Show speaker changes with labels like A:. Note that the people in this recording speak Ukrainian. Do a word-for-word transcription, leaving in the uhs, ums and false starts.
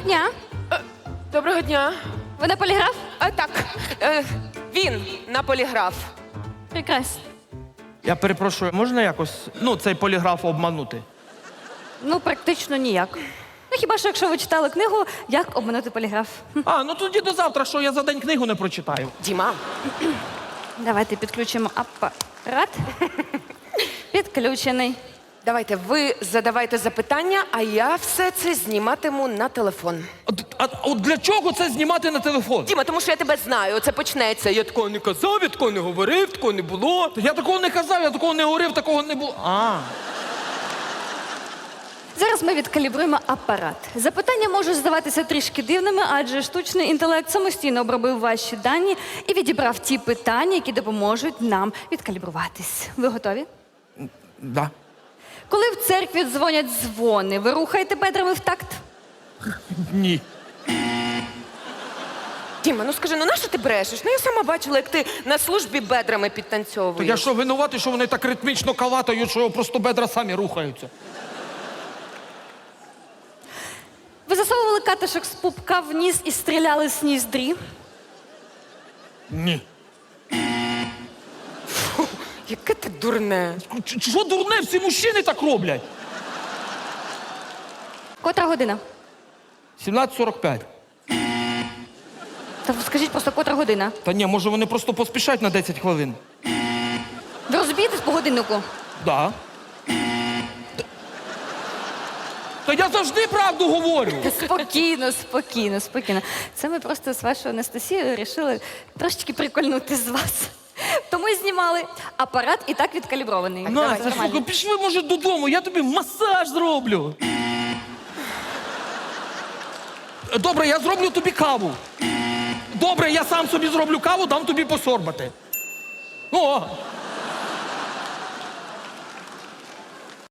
A: дня.
B: Доброго дня.
A: Ви на поліграф?
B: А, так, е, він на поліграф.
A: Прекрасно.
C: Я перепрошую, можна якось, ну, цей поліграф обманути?
A: Ну, практично ніяк. Ну, хіба що, якщо ви читали книгу «Як обманути поліграф». Хм.
C: А, ну тоді до завтра, що я за день книгу не прочитаю.
B: Діма.
A: Давайте підключимо апарат. Підключений.
B: Давайте, ви задавайте запитання, а я все це зніматиму на телефон.
C: А, а от для чого це знімати на телефон?
B: Діма, тому що я тебе знаю, це почнеться. Я такого не казав, я такого не говорив, такого не було.
C: Я такого не казав, я такого не говорив, такого не було. А,
A: Зараз ми відкалібруємо апарат. Запитання можуть здаватися трішки дивними, адже штучний інтелект самостійно обробив ваші дані і відібрав ті питання, які допоможуть нам відкалібруватись. Ви готові?
C: да.
A: Коли в церкві дзвонять дзвони, ви рухаєте бедрами в такт?
C: Ні.
B: Діма, ну скажи, ну нащо ти брешеш? Ну я сама бачила, як ти на службі бедрами
C: То
B: підтанцьовуєш.
C: я що, винуватий, що вони так ритмічно калатають, що просто бедра самі рухаються?
A: Ви засовували катишок з пупка в ніс і стріляли з ніздрі?
C: Ні.
B: Яке ти дурне.
C: Ч- Що дурне, всі мужчини так роблять?
A: Котра година?
C: сімнадцять сорок п'ять.
A: Та скажіть просто, котра година?
C: Та ні, може вони просто поспішають на десять хвилин.
A: Ви розумієтесь по годиннику?
C: Да. Та- Та я завжди правду говорю.
A: Спокійно, спокійно, спокійно. Це ми просто з вашою Анастасією вирішили трошечки прикольнути з вас. Тому і знімали. Апарат і так відкалібрований.
C: Настя, слухай, пішли, може, додому, я тобі масаж зроблю. Добре, я зроблю тобі каву. Добре, я сам собі зроблю каву, дам тобі посорбати. О!